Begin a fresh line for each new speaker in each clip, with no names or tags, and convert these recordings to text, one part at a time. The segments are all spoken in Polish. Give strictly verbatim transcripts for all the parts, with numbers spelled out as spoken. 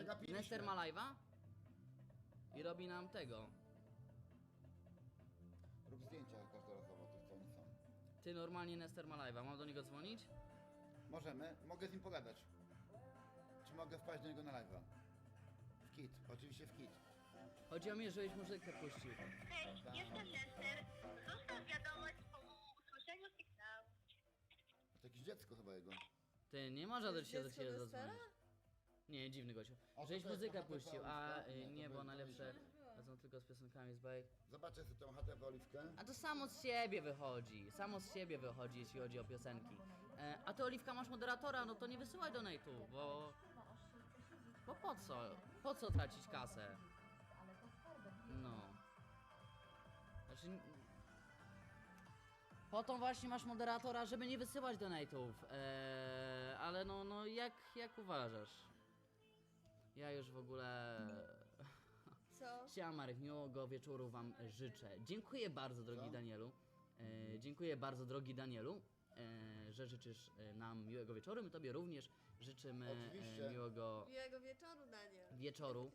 Przegapiliśmy.
Nester ma live'a i robi nam tego.
Rób zdjęcia każdorazowo tych, co oni są.
Ty normalnie Nester ma live'a, mam do niego dzwonić?
Możemy, mogę z nim pogadać. Czy mogę wpaść do niego na live'a? W kit, oczywiście w kit.
Chodzi o mnie, żebyś muzykę puścił.
Hej, jestem Lester. Zostaw wiadomość po usłyszeniu sygnału.
To jakieś dziecko chyba jego.
Ty, nie można do ciebie do
dziecko
ciebie
Nestera?
zadzwonić. Nie, dziwny gościu.
A to
Żebyś
to jest
muzykę
na
puścił,
H T V
a
Oliwka?
y,
Nie, to
nie, bo
by-
najlepsze
to
są tylko z piosenkami z bajek.
Zobaczę sobie tą H T V Oliwkę.
A to samo z siebie wychodzi, samo z siebie wychodzi, jeśli chodzi o piosenki. E, a ty, Oliwka, masz moderatora, no to nie wysyłaj donate'u, bo... Bo po co? Po co tracić kasę? No. Znaczy... n- Po to właśnie masz moderatora, żeby nie wysyłać donate'ów. E, ale no, no jak, jak uważasz? Ja już w ogóle...
Co?
Siema Marek, miłego wieczoru wam życzę. Dziękuję bardzo, drogi
Co?
Danielu. E, dziękuję bardzo, drogi Danielu, e, że życzysz e, nam miłego wieczoru. My tobie również życzymy
Oczywiście.
e, miłego
Miłego wieczoru, Daniel.
wieczoru.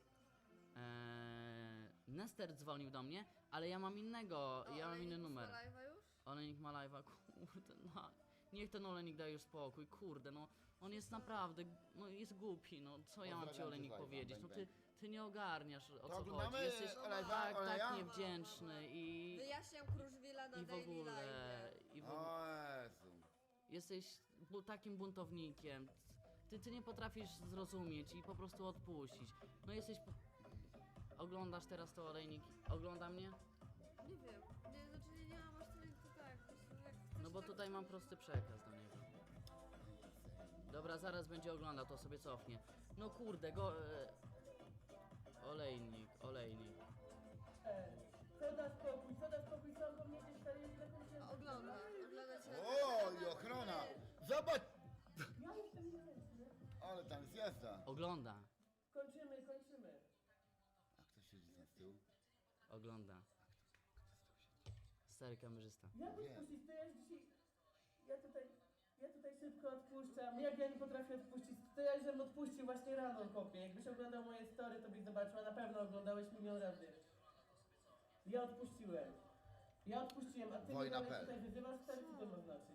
E, Nester dzwonił do mnie, ale ja mam innego,
O,
ja mam
Olejnik
inny
ma
numer.
live'a już?
Olejnik ma live'a, kurde, no. Niech ten Olejnik daje już spokój, kurde, no. On jest naprawdę, no jest głupi, no. Co ja mam ci
Pozdrawiam
Olejnik
cię z live'a,
powiedzieć? No
bang,
ty,
bang.
ty nie ogarniasz, o co
oglądamy
chodzi. Jesteś
Olej'a,
tak,
Oleja?
tak niewdzięczny i...
Wyjaśniam Kruszwila na
I w
Daily
ogóle,
Live.
i w ogóle,
O Jezu.
jesteś bu takim buntownikiem. Ty, ty nie potrafisz zrozumieć i po prostu odpuścić. No jesteś... Po... Oglądasz teraz to Olejnik? Ogląda mnie?
Nie wiem. Nie, znaczy nie, nie mam aż tyle, to tak. Po prostu jak
No
ktoś
bo
tak-
tutaj mam prosty przekaz do niego. Dobra, zaraz będzie oglądał, to sobie cofnie. No kurde, go... E... Olejnik, olejnik.
Co da spokój, co da spokój, co mam powiedzieć, stary, jest taką się...
Ogląda, ogląda cię.
O, i ochrona! Zobacz!
Ja jestem niechętny.
Ale tam jest jazda.
Ogląda,
Kończymy, kończymy.
A kto siedzi tam z tyłu?
ogląda. Stary kamerzysta.
Jak
Nie.
odpuścić, to ja już dzisiaj... Ja tutaj... Ja tutaj szybko odpuszczam. Jak ja nie potrafię odpuścić, to ja już bym odpuścił właśnie rano, kopie. Jakbyś oglądał moje story, to byś zobaczył, a na pewno oglądałeś milion razy. Ja odpuściłem. Ja odpuściłem, a ty mnie
Wojna
dalej
P L.
tutaj wyzywasz, stary, co to ma znaczyć?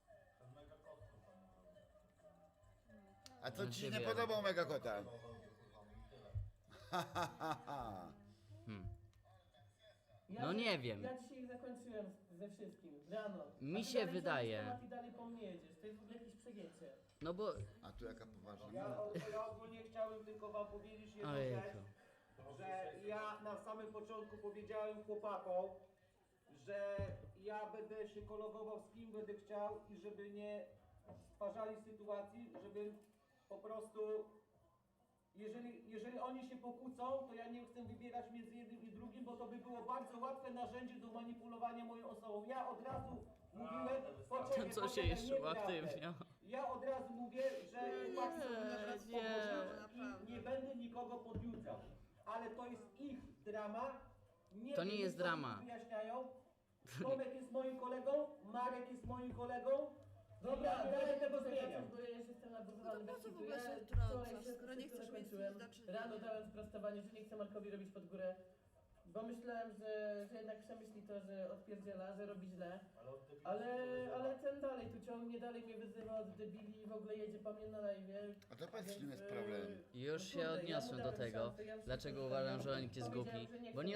A co ci się
Ciebie.
nie podobał Mega Kota?
Hmm.
Ja
No nie wiem.
Ja dzisiaj zakończyłem z- ze wszystkim, rano.
Mi
A ty
się
dalej
wydaje.
ciągniesz temat i dalej po mnie jedziesz, to jest w ogóle jakieś przegięcie.
No bo...
A tu jaka poważna.
Ja, o- ja ogólnie chciałem tylko wam powiedzieć jedną
Ojejku.
rzecz, że ja na samym początku powiedziałem chłopakom, że ja będę się kolegował z kim będę chciał i żeby nie stwarzali sytuacji, żeby po prostu, jeżeli, jeżeli oni się pokłócą, to ja nie chcę wybierać między jednym i drugim, bo to by było bardzo łatwe narzędzie do manipulowania moją osobą. Ja od razu mówiłem, poczekaj,
Co się
poczekaj,
jeszcze
nieprawdę.
uaktywniał?
Ja od razu mówię, że chłopaki są na nas
nie,
i nie będę nikogo podjudzał. Ale to jest ich drama. Nie
To nie
wiem,
jest
co
drama.
mi wyjaśniają. Tomek jest moim kolegą, Marek jest moim kolegą. Dobra,
ja
nie będę tego
ja
zmieniał.
bo ja już jestem nabuzowany.
No to po co
bez
w ogóle
kitu.
się
Ja
wtrącasz,
wczoraj wszystko
skoro nie chcesz mieć
zakończyłem.
nic do czynienia?
Rano dałem sprostowanie, że nie chcę Markowi robić pod górę. Bo myślałem, że, że jednak przemyśli to, że odpierdziela, że robi źle. Ale, ale ten dalej tu ciągnie, dalej mnie wyzywa od debili i w ogóle jedzie po mnie na live.
A to powiedz,
Więc,
czym jest
e,
problem.
Już
no
się
kurde, ja mu
odniosłem do
dałem
tego,
szansę, ja już
dlaczego
wszystko
uważam,
zrobiłem.
że Olenik jest
Powiedziałem,
głupi,
że nie
bo
chcę
nie